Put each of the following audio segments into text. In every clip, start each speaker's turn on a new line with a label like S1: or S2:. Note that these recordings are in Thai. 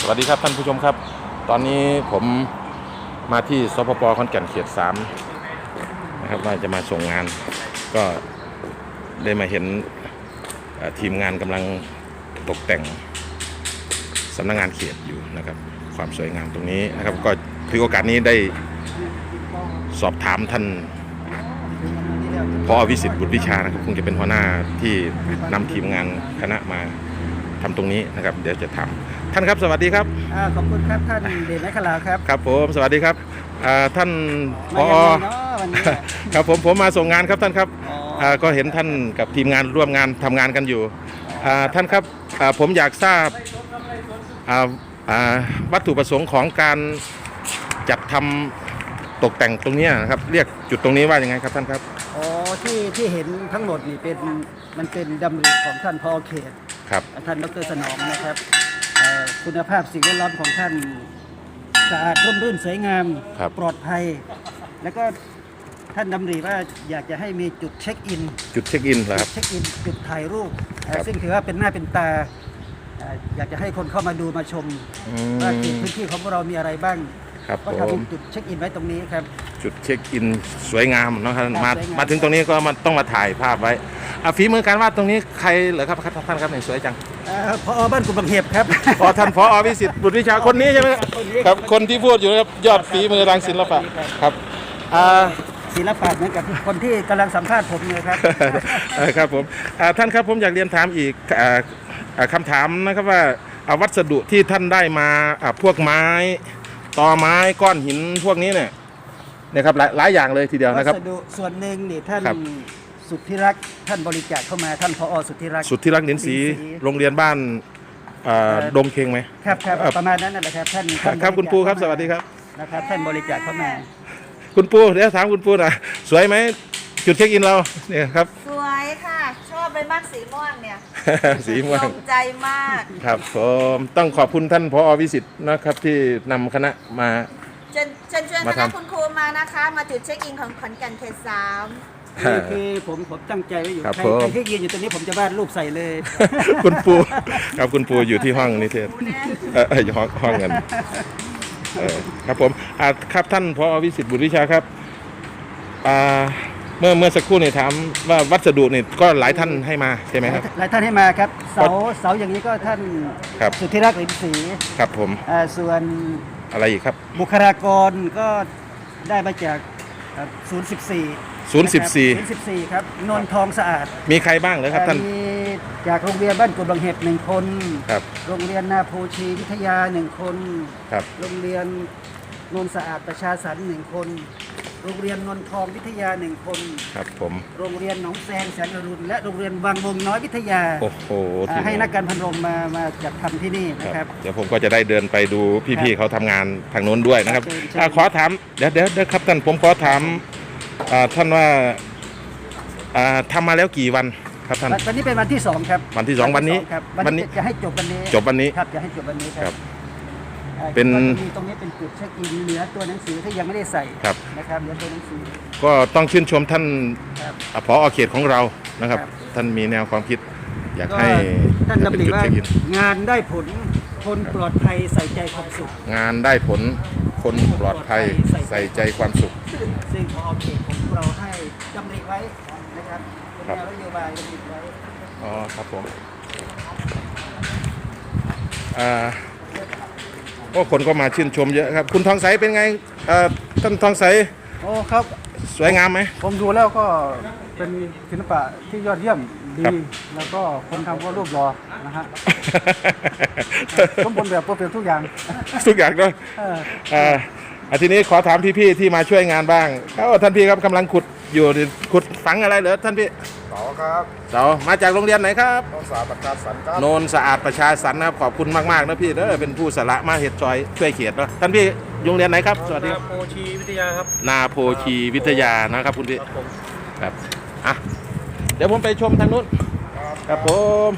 S1: สวัสดีครับท่านผู้ชมครับตอนนี้ผมมาที่สปป.ขอนแก่นเขต 3นะครับว่าจะมาส่งงานก็ได้มาเห็นทีมงานกำลังตกแต่งสำนักงานเขตอยู่นะครับความสวยงามตรงนี้นะครับก็ถือโอกาสนี้ได้สอบถามท่านผอ.วิสิทธิ์บุตรวิชานะครับคงจะเป็นหัวหน้าที่นำทีมงานคณะมาทำตรงนี้นะครับเดี๋ยวจะทำท่านครับสวัสดีครับ
S2: ขอบคุณครับท่านเดชนักขลาครับ
S1: ครับผมสวัสดีครับท่านผอ.ครับผมมาส่งงานครับท่านครับก็เห็นท่านกับทีมงานร่วมงานทำงานกันอยู่ท่านครับผมอยากทราบวัตถุประสงค์ของการจัดทำตกแต่งตรงนี้นะครับเรียกจุดตรงนี้ว่ายังไงครับท่านครับ
S2: ที่เห็นทั้งหมดนี่มันเป็นดำริของท่านผอ.เขต
S1: ครับ
S2: ท่านดร.สนองนะครับคุณภาพสิ่งแวดล้อมของท่านสะอาดร่มรื่นสวยงามปลอดภัยแล้วก็ท่านดำริว่าอยากจะให้มีจุดเช็คอิน
S1: เหรอครับ
S2: เช็คอินจุดถ่ายรูปซึ่งถือว่าเป็นหน้าเป็นตาอยากจะให้คนเข้ามาดูมาชมว่าพื้นที่ของพวกเรามีอะไรบ้างก็ทำจุดเช็คอินไว้ตรงนี้ครับ
S1: จุดเช็คอินสวยงามนะครับมาถึงตรงนี้ก็ต้องมาถ่ายภาพไว้ฝีมือการวาดตรงนี้ใครเหรอครับท่านครับสวยจัง
S2: ผอ.บ้านกุฎบางเห็บครับ
S1: ท่านผอ.วิสิทธิ์บุตรวิชาคนนี้ใช่ไหมครับคนที่พูดอยู่ครับยอดฝีมือทางศิลปะครับ
S2: ศิลปะเหมือนกับคนที่กำลังสัมภาษณ์ผมเลยครับ
S1: ครับผมท่านครับผมอยากเรียนถามอีกคำถามนะครับว่าวัสดุที่ท่านได้มาพวกไม้ตอไม้ก้อนหินพวกนี้เนี่ยนะครับหลายอย่างเลยทีเดียวนะครับ
S2: วัสดุส่วนหนึ่งนี่ท่านสุทธิรักษ์ท่านบริจาคเข้ามาท่านผอ.สุทธิรักษ์
S1: นินศรีโรงเรียนบ้านดงเคงไหม
S2: ครับประมาณนั้นนะครับท่าน
S1: ครับคุณปูครับสวัสดีครับ
S2: นะครับท่านบริจาคเข้ามา
S1: คุณปูเดี๋ยวถามคุณปูนะสวยไหมจุดเช็คอินเราเนี่ยครับ
S3: สวยค่ะชอบเลยมากสีม่วงเนี่ย
S1: สีม่วง
S3: ตรงใจมาก
S1: ครับผมต้องขอบคุณท่านผอ.วิสิทธิ์นะครับที่นำคณะมา
S3: เชิญคณะคุณครูมานะคะมาจุดเช็คอินของขอนแก่นเขต 3
S2: นี่คือผมตั้งใจไว้อยู่ใครที่ยืนอยู่ตรงนี้ผมจะวาดรูปใส่เลย
S1: คุณปูครับคุณปูอยู่ที่ห้องนิเทศห้องเงินครับผมครับท่านผอ.วิสิทธิ์บุตรวิชาครับเมื่อสักครู่เนี่ยถามว่าวัสดุเนี่ยก็หลายท่านให้มาใช่ไหมครับ
S2: หลายท่านให้มาครับเสาอย่างนี้ก็ท่านสุทธิรักษ์ นินศรี
S1: ครับผม
S2: ส่วน
S1: อะไรอีกครับ
S2: บุคลากรก็ได้มาจาก014ครับนนทองสะอาด
S1: มีใครบ้างเลยครับท่าน
S2: มีจากโรงเรียนบ้านกุฎบางเห็บ1 คน
S1: ครับ
S2: โรงเรียนนาโพชีวิทยา1 คน
S1: ครับ
S2: โรงเรียนนนสะอาดประชาสรรค์1 คนโรงเรียนนนทองวิทยา1 คน
S1: ครับผม
S2: โรงเรียนหนองแซงแสงอรุณและโรงเรียนวังวงน้อยวิทยา
S1: โอ้โห
S2: ให้นักการพันโรงมาจัดทำที่นี่นะครับ
S1: เดี๋ยวผมก็จะได้เดินไปดูพี่ๆเขาทำงานทางโน้นด้วยนะครับขอถามเดี๋ยวครับท่านผมขอถามท่านว่าทำมาแล้วกี่วันครับท่าน
S2: วันนี้เป็นวันที่2ครับ
S1: วันที่2วันนี้
S2: จะให้จบวันนี้
S1: ครับ
S2: จะให้จบวันนี้ครับ
S1: เป็น
S2: ตรงนี้เป็นจุดเช็คอินเหลือตัวหนังสือที่ยังไม่ได้ใส่นะครับเหลือตัวหนังสือ
S1: ก็ต้องชื่นชมท่านผอ.เขตของเรานะครับท่านมีแนวความคิดอยากให้
S2: ท่านดำริว่างานได้ผลคนปลอดภัยใส่ใจความสุข
S1: งานได้ผลคนปลอดภัยใส่ใจความสุข
S2: ซึ่งผอ.เขตของเราให้ดำริไว้นะครับเป็นแนวนโยบายดำริไว้
S1: ครับผมก็คนก็มาชื่นชมเยอะครับคุณทองใสเป็นไงท่านทองใส
S2: ครับ
S1: สวยงามไหม
S2: ผมดูแล้วก็เป็นศิลปะที่ยอดเยี่ยมดีแล้วก็คนทำก็รูปหล่อนะฮะสมบูรณ์แบบเพอร์เฟกต์ทุกอย่าง
S1: ด้วยทีนี้ขอถามพี่ๆที่มาช่วยงานบ้างท่านพี่ครับกำลังขุดฝังอะไรเหรอท่านพี่
S4: เสาครับ
S1: เสามาจากโรงเรียนไหนครับ
S4: โนนสะอาดประชาสรรค์ครับ
S1: โนนสะอาดประชาสรรค์นะครับขอบคุณมากๆนะพี่เป็นผู้สละมาเหตุจอยช่วยเขียนนะท่านพี่โรงเรียนไหนครับสวัสดี
S4: นาโพชีวิทยาครับ
S1: นาโพชีวิทยานะครับคุณพี่ครับเดี๋ยวผมไปชมทางนู้นครับผม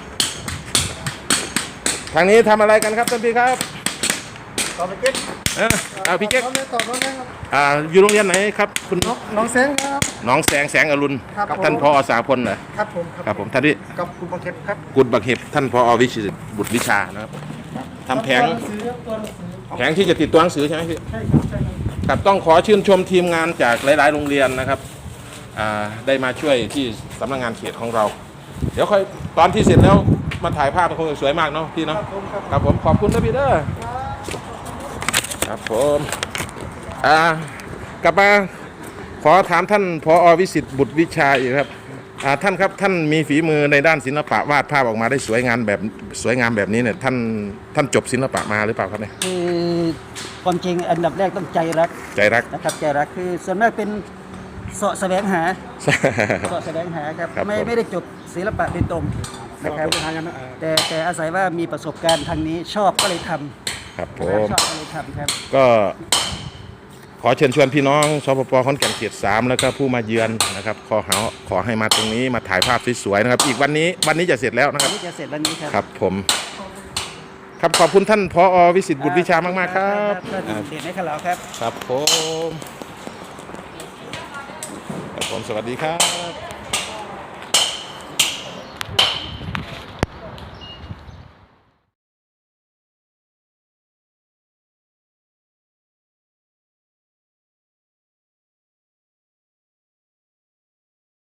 S1: ทางนี้ทำอะไรกันครับท่านพี่ครับ
S4: ต่อไปเก็บ
S1: พี่เก๊ก
S4: ต่อน้องแสง
S1: อยู่โรงเรียนไหนครับคุณ
S4: น้องแสงครับ
S1: น้องแสงอรุณท่านผอ.สาพลเหรอ
S4: ครับผม
S1: ท่านที่
S4: กับกุฎบางเห็บครับ
S1: กุฎบางเห็บท่านผอ.วิชิตบุตรวิชานะครับทำแผง
S4: ตัวหนังสือครับตัวหนังสือ
S1: แผงที่จะติดตัวหนังสือใช่ไหมพี่
S4: ใช่ครับใช่ครับ
S1: ครับต้องขอชื่นชมทีมงานจากหลาย ๆ โรงเรียนนะครับได้มาช่วยที่สำนักงานเขตของเรา เดี๋ยวค่อยตอนที่เสร็จแล้วมาถ่ายภาพคงจะสวยมากเนาะพี่เนาะครับผมขอบคุณนะพี่เด้อครับผมกลับมาขอถามท่านผอ.วิสิทธิ์บุตรวิชาอีกครับท่านครับท่านมีฝีมือในด้านศิลปะวาดภาพออกมาได้สวยงามแบบนี้เนี่ยท่านจบศิลปะมาหรือเปล่าครับเนี่ย
S2: คือความจริงอันดับแรกต้องใจรัก
S1: ใจรัก
S2: นะครับใจรักคือส่วนมากเป็นเสาะแสวงหาเสาะแสวงหาครับ
S1: ครับผม
S2: ไม่ได้จบศิลปะโดยตรงนะครับแต่อาศัยว่ามีประสบการณ์ทางนี้ชอบก็เลยทำ
S1: ครับผ
S2: ช
S1: ม
S2: อบก็เลยทำครับ
S1: ก็ขอเชิญชวนพี่น้องสปป.ขอนแก่นเขต 3แล้วก็ผู้มาเยือนนะครับขอให้มาตรงนี้มาถ่ายภาพสวยๆนะครับอีกวันนี้จะเสร็จแล้วนะค
S2: อั
S1: รั
S2: น
S1: บ
S2: นี้จะเสร็จแล้วนี้ครับ
S1: ครับผมครับขอบคุณท่านผอ.วิสิทธิ์บุตรวิชามากๆครับ
S2: ท่านเดชในขลาวครับ
S1: ครับผมสวัสดีครับ